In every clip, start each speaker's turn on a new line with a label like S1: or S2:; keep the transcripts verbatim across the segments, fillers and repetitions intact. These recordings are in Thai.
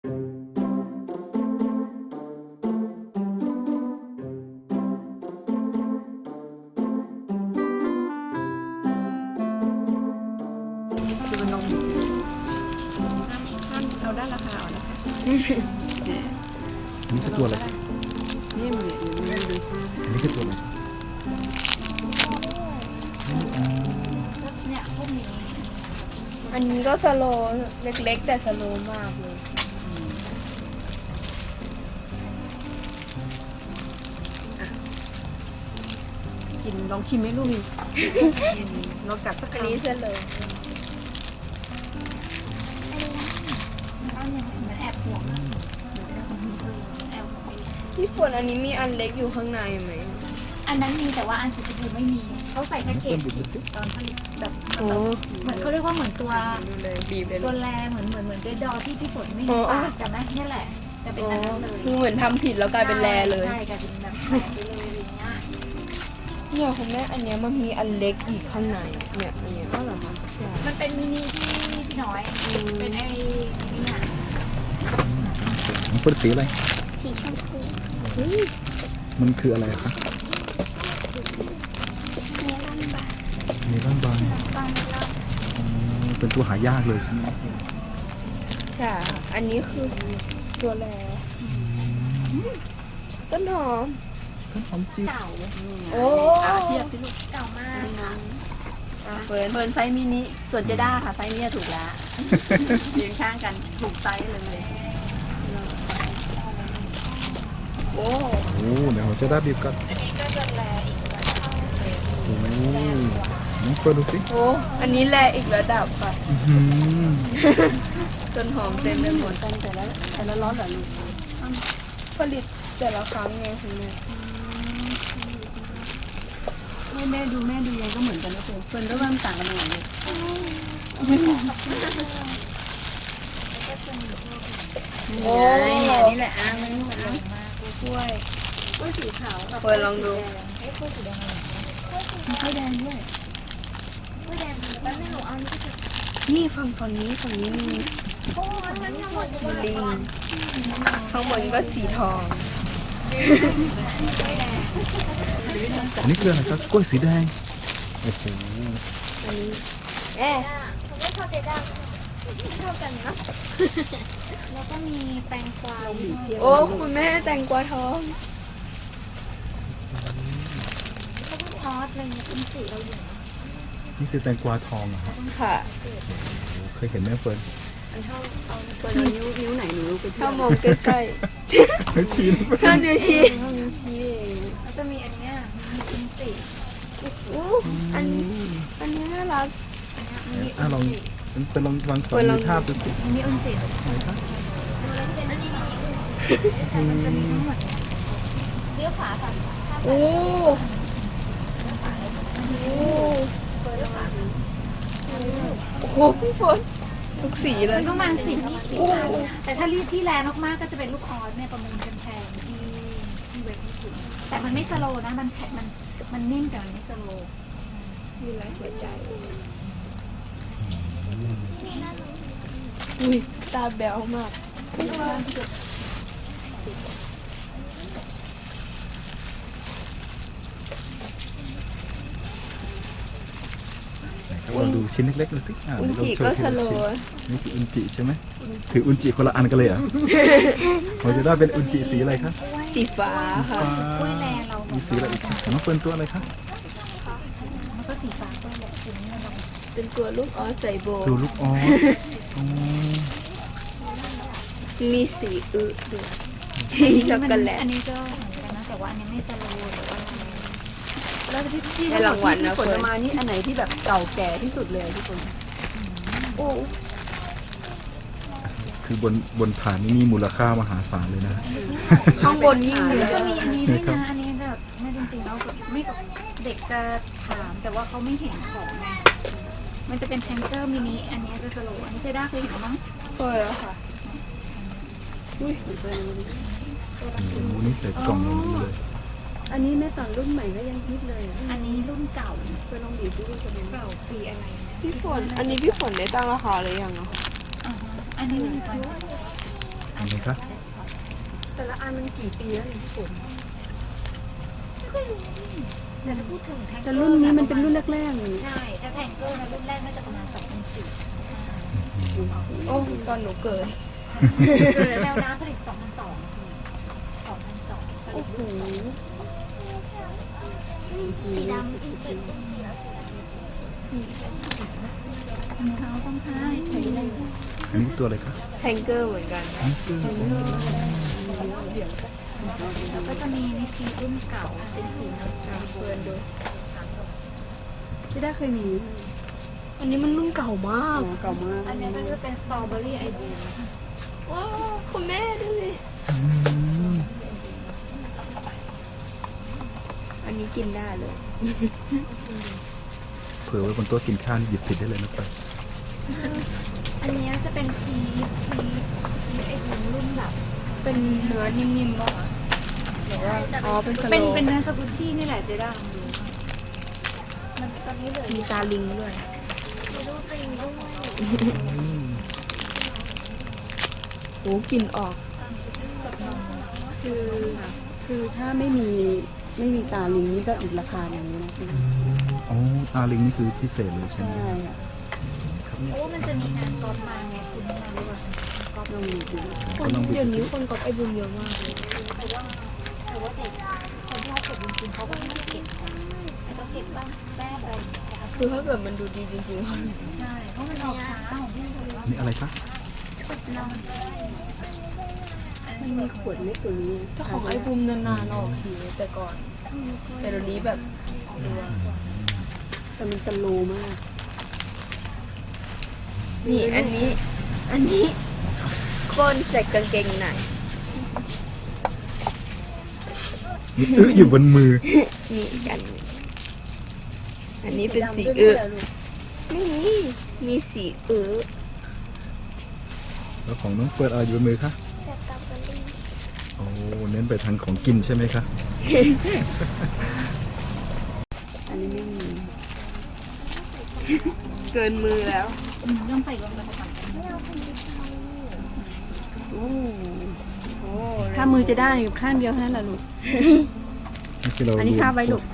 S1: คือมันนมห้ามเอาด้านราคาเอานะคะ
S2: นี่คือตัวอะไร
S1: นี่มันเนี่ยดู
S2: นี่คือตัวอะไร
S3: เนี่ยพวกนี้
S4: อันนี้ก็สโลว์เล็กๆ แต่สโลว์มากเลย
S1: กินลองชิมไหมลูกนี่ลองกัดสัก
S4: อัน
S1: คำ
S4: นี้สโลว์
S3: อันนี้มันมันแอบห่วงนะแอบห่วงไป
S4: พี่ฝนอันนี้มีอันเล็กอยู่ข้างในไหม
S3: อันนั้นมีแต่ว่าอันสีชมพูไม่มีเขาใส่แพ็กเก
S2: เพิ่
S3: จ
S2: มบุญดูสิ
S3: ตอนผลิตแบบ
S4: โอ้
S3: เหมือนเขาเรียกว่าเหมือนตัว
S4: ดูเลยบีบเลย
S3: ตัวแรเหมือนเหมือนเหมือนเบดดอที่พี่ฝนไม่มีปากแต่แม่นี่แหละแต่เป็น
S4: อ๋อ
S3: อันนั้นเลย
S4: คือเหมือนทำผิดแล้วกลายเป็นแรเลย
S3: ใช่กลายเป็นแบบแผลไปเลยอะไรเงี้ย
S4: เนี่ยคุณแม่อันเนี้ยมันมีอันเล็กอีกข้างในเนี่ยอันเนี้ยก็เหรอคะใช่
S3: มันเป็นมินิที่พี่น้อยเป็นไอ้เนี่ย
S2: มันเป็นสีอะไร
S3: สีชมพู
S2: มันคืออะไรคะ
S3: เนื้อลำบาก
S2: เมลอนบาง
S3: บางแล้ว
S2: อ๋อเป็นตัวหายากเลยใช่ไหม
S4: ใช่อันนี้คือตัวแรต้นหอม
S2: ต้นหอมจีบ
S3: เก่า
S4: โอ้
S1: อ่ะเทียบสิลูก
S3: เก่ามาก
S1: นี่น้อง
S4: อ่ะเฟิร์น
S1: เฟิร์นไซส์มินิส่วนเจด้าค่ะไซส์เนี่ยถูกแล้วเรียงข้างกันถูกไซส์เลย
S4: โอ้
S2: โอ้เดี๋ยวเราจะได้บีบกัน
S3: อันนี้ก็จะแลอีกระดับ
S2: โอ้น้องเฟิร์นดูสิ
S4: โหอันนี้แลอีกระดับค่ะ
S2: อื้อหือ
S4: จนหอมเต็มไปหมด
S1: กันแต่ละแต่ละร้อนเหรอลูก
S4: ผลิตแต่ละครั้งไงคุณแม่
S1: แม่แม่ดูแม่ดูยังก็เหมือนกันนะเฟิร์นเฟิร์นก็ว่ามันต่างกันยังไงเลยนี่ไงเนี่ยนี่แหละอ่ะมันมัน
S4: กล้วย
S1: กล้วยสีขาวกับ
S4: เฟิร์นลองดู
S3: ไอ้พวกสีแดงอะไร
S1: มีกล้วยแดงด้วย
S3: กล้วยแดงแป๊บนึงหนูเอานี่ก็จะ
S4: นี่ฝั่งฝั่งนี้ฝั่งนี้มี
S3: โอ้ยมันทั้งหมดเลย
S4: ลิงข้างบนก็สีทอง
S3: กล้วยแดง
S2: อันนี้คืออะไรครับกล้วยสีแดงโอ้โห
S4: อันนี้เอ๊ะ
S3: ผมไม่ชอบเจด้าชอบกันนะแล้วก็มีแตงกวา
S4: โอ้คุณแม่แตงกวาทอง
S3: เขาเป็นออสอะไรเงี้ยเป็นสีเราอยู่
S2: นี่คือแตงกวาทองเหรอครับ
S4: ค่ะ
S2: โอ้เคยเห็นไหมเฟิร์น
S1: อันเท่าเอาเฟิร์นเอานิ้วนิ้วไหนหนูไปเที่ย
S4: ถ้าว มองใกล้
S2: ไม่ชี้นะ
S4: ๆถ้านิ้วชี้
S1: เท่านิ้วชี้เอง
S3: แล้วจะมีอันเนี้ยมีเป็นสี
S4: อู้อันนี้อันนี้น่ารัก
S2: อ่ะลองเป็นลองวางขอ
S4: เฟิร์นลอง
S2: ดูภาพดูสิ
S3: อันนี้อุนจิ
S2: ไหนครับ
S3: มันจะมีทั้งหมดเลี้ยวขวาก่อน
S4: โอ้โอ้โอ้โหพี่ฝนทุกสีเลย
S3: ประมาณสีนี่สี
S4: โอ้
S3: แต่ถ้ารีดที่แรงมากๆก็จะเป็นลูกออสเนี่ยประมูลแพงๆที่ที่เว็บญี่ปุ่นแต่มันไม่สโลว์นะมันแข็งมันมันนิ่มแต่มันไม่สโลว์
S4: มีหลายหัวใจอุ้ยตาแบ๊วมาก
S2: ไหนครับเราดูชิ้นเล็กๆดูสิอ่ะ
S4: อุน
S2: เดี๋ยว
S4: จิ
S2: เราโช
S4: ก็
S2: ว์ที
S4: ส
S2: ละ
S4: โล
S2: ชิ้น
S4: ว์
S2: นี่คืออุนจิใช่ไหมถืออุนจิคนละอันกันเลยเหรอ เราจะได้เป็นอุนจิสีอะไรครับ
S4: สีฟ้าค่ะ
S2: ฟ้าก
S3: ล้วยแลเรา
S2: มีสีอะไรอีกครับน้องเฟิร์นตัวอะไรครับ
S3: มันก็สีฟ้ากล้วยแลสีนี้เรา
S4: เป็นตัวลูกออสใส่โบ
S2: ตัวลูกออสอ๋อ
S4: มีสีอึด้วยสีช็อกโกแลต
S3: อันนี้ก็เหมือนกันนะแต่ว่าอันนี้ไม่สโลว์แต่ว่า
S1: แล้วที่ที่
S4: ได้รางวัลนะ
S1: ที่ฝนมานี่อันไหนที่แบบเก่าแก่ที่สุดเลยที่ฝน
S4: โอ้
S2: คือบนบนฐานนี้มีมูลค่ามหาศาลเลยนะ
S4: ข้างบนยิ่ง
S3: อัน
S4: เย
S3: นี้ก็
S4: อะ
S3: มีอันนี้ด้วยนะอันนี้แบบไม่จริงๆแล้วแบบไม่เด็กจะถามแต่ว่าเขาไม่เห็นของไงมันจะเป็นแทงเกอร์มินิอันนี้จะสโลว์อันนี้เจด้าเคยเห็นมั้ง
S4: เปิดแล้วค่ะอุ้ย
S2: โอ้โหนี่ใส่กล่องอย่างนี้เลย
S1: อันนี้แม่ตอนรุ่นใหม่ก็ยังฮิตเลยอ่ะ
S3: อันนี้รุ่นเก่า
S1: เฟิร์นลองบีบดูรุ่นเป็นยังไง
S3: เก่าปีอะไรนะ
S4: พี่ฝน อันนี้พี่ฝนได้ตั้งราคาหรือยังอะ
S3: อ่าฮะอันนี้รุ่นเก่า
S2: อันไหนคะ
S4: แต่ละอันมันกี่ปีแล้วเนี่ยพี่ฝน
S3: แต่ถ้าพูดถึงแทงเกอร์
S1: แต่รุ่นนี้มันเป็นรุ่นแรกๆเลย
S3: ใช่ถ้าแทงเกอร์นะรุ่นแรกน่าจะประมาณสองพันสี่
S4: โอ้ตอนหนูเกิด
S3: เกิดแมวน้ำผลิตสองพันสองสองพันสองผลิ
S4: โอ้
S3: ต
S4: โห
S3: สีดำรองเท้าต้องท้ายใส่เลย
S2: อันนี้ตัวอะไรคะ
S4: แทงเกอร์เหมือนกัน
S2: อันนี้คือ
S3: แล้วก็จะมีนิทีรุ่นเก่าเป็นสีน้ำตาล
S4: เพื่อนดู
S1: ที่ได้เคยมี
S4: อันนี้มันรุ่นเก่ามาก
S1: อ๋อเก่ามาก
S3: อันนี้ก็จะเป็นสตรอเบอรี่ไอเดีย
S4: ว้าวคุณแม่ดูสิ
S2: อืม
S4: อันนี้กินได้เลย
S2: เผื่อไว้บนโต๊ะกินข้าวนี่หยิบผิดได้เลยนะไป
S3: อันนี้จะเป็นพีพีพีไอเดียรุ่นแบบ
S4: เป็นเนื้อนิ่มๆป่ะคะหรือว่าอ๋อเป็นสโล
S3: เป็น
S4: ว์
S3: เป็นเนื้อสกุชชี่นี่แหละเจด้าลองดูมันตอนนี้เหลือ
S4: มีตาลิงด้วย
S3: มีรูปลิงด้วย
S2: อืม
S4: โอ้กลิ่นออก
S1: คือคือถ้าไม่มีไม่มีตาลิงนี่ก็อีกราคาอย่างนี้นะพี่
S2: อ๋อตาลิงนี่คือพิเศษเลยใช่ไหม
S1: ใช่ค่ะ
S2: ครับเนี่ย
S3: เพราะว่ามันจะมีงานกอล์ฟมาไงคุณมาด้วยกอล์ฟ
S1: ลองดูดู
S2: ก็ลองดู
S4: เดี๋ยวนี้
S2: สิ
S4: คนกดไอบุญเยอะมากเลย
S3: แต่ว่าแต่ว่าเด็กคนที่เขาเก็บจริงๆเขาก็ไม่ได้เก็บของแต่ก็เก็บบ้างแป้งอะไรอย่างเงี้ยนะคะ
S4: คือถ้าเกิดมันดูดีจริง
S3: ใช่เพราะมันออกช้าของพี่เลยว่า
S2: นี่อะไรคะ
S3: เรา
S1: มันมีขวดเล็กกว่านี้
S4: ๆถ้าของไอบุมนานๆออกทีแต่ก่อน แต่เดี๋ยวนี้แบบดูว่า
S1: แต่มันสโลว์มาก
S4: นี่อันนี้ อันนี้ก้นใส่กางเกงใน
S2: นี่อึอยู่บนมือ
S4: นี่อีกอันหนึ่งอันนี้เป็นสีเอือไม่มี มีสีเอือ
S2: แล้วของน้องเฟิร์นอะไรอยู่บนมือคะโอ้เน้นไปทางของกินใช่ไหมคะ
S1: อันนี้ไม่มี
S4: เกินมือแล้ว
S3: ต้องใส่ลงไปผสมกัน
S1: โอ้ถ้ามือจะได้ข้างเดียวเท่านั้นแหละลูก
S2: นี่คือเรา
S1: อันนี้คาบไว้ลูก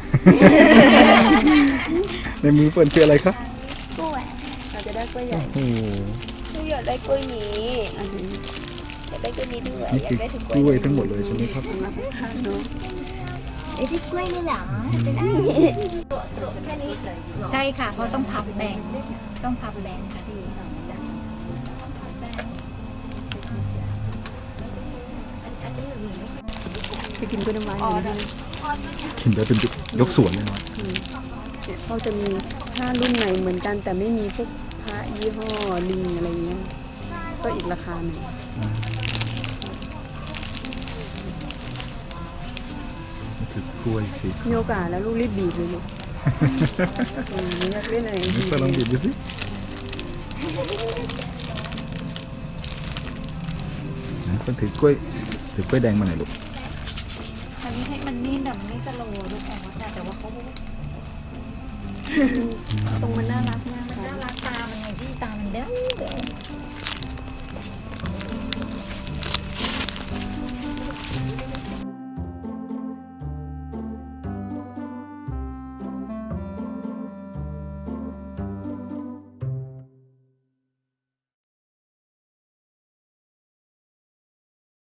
S2: ในมือเฟิร์นคืออะไรคะ
S1: เราจะได้กล้วยใหญ่
S2: โอ้โห
S4: หนูอยากได้กล้วยนี้
S1: อันนี้
S4: อยากได้กล้วยนี้ด้วย
S2: นี่
S4: อยา
S2: คื
S4: ก
S2: อ
S4: ได้ถึง
S2: ก
S4: กล้วย
S2: ล้วยทั้งหมดเลยใช่ไหมครับ
S1: มาข้างๆเนาะ
S3: ไอ้ที่กล้วยนี่หรอแค่นี้ใช่ค่ะเพราะต้องพับแบ่งต้องพับแบ่งค่ะที่
S1: จะกินกล้วยน้ำว้าอย่างนี้
S2: กินได้เป็นยกสวนเลยเนาะ
S1: เนี่ยเขาจะมีถ้ารุ่นไหนเหมือนกัน แต่ไม่มีพวกพระยี่ห้อลิงอะไรเงี้ยก็อีกราคาหนึ่ง
S2: นี่คือกล้วยสีขาว
S1: มีโอกาสแล้วลูกรีบบีบเลยลูกอืมอยากเล่นอะไร
S2: นี่เฟิร์นลองบีบดูสิไหนเฟิร์นถือกล้วยถือกล้วยแดงมาหน่อยลูก
S3: อันนี้ให้มันนี่แบบไม่สโลว์ลูกออกนะแต่ว่าเขา
S1: ตรงมันน่ารักมาก
S3: มันน่ารักตามันไงพี่ตามันเด้อ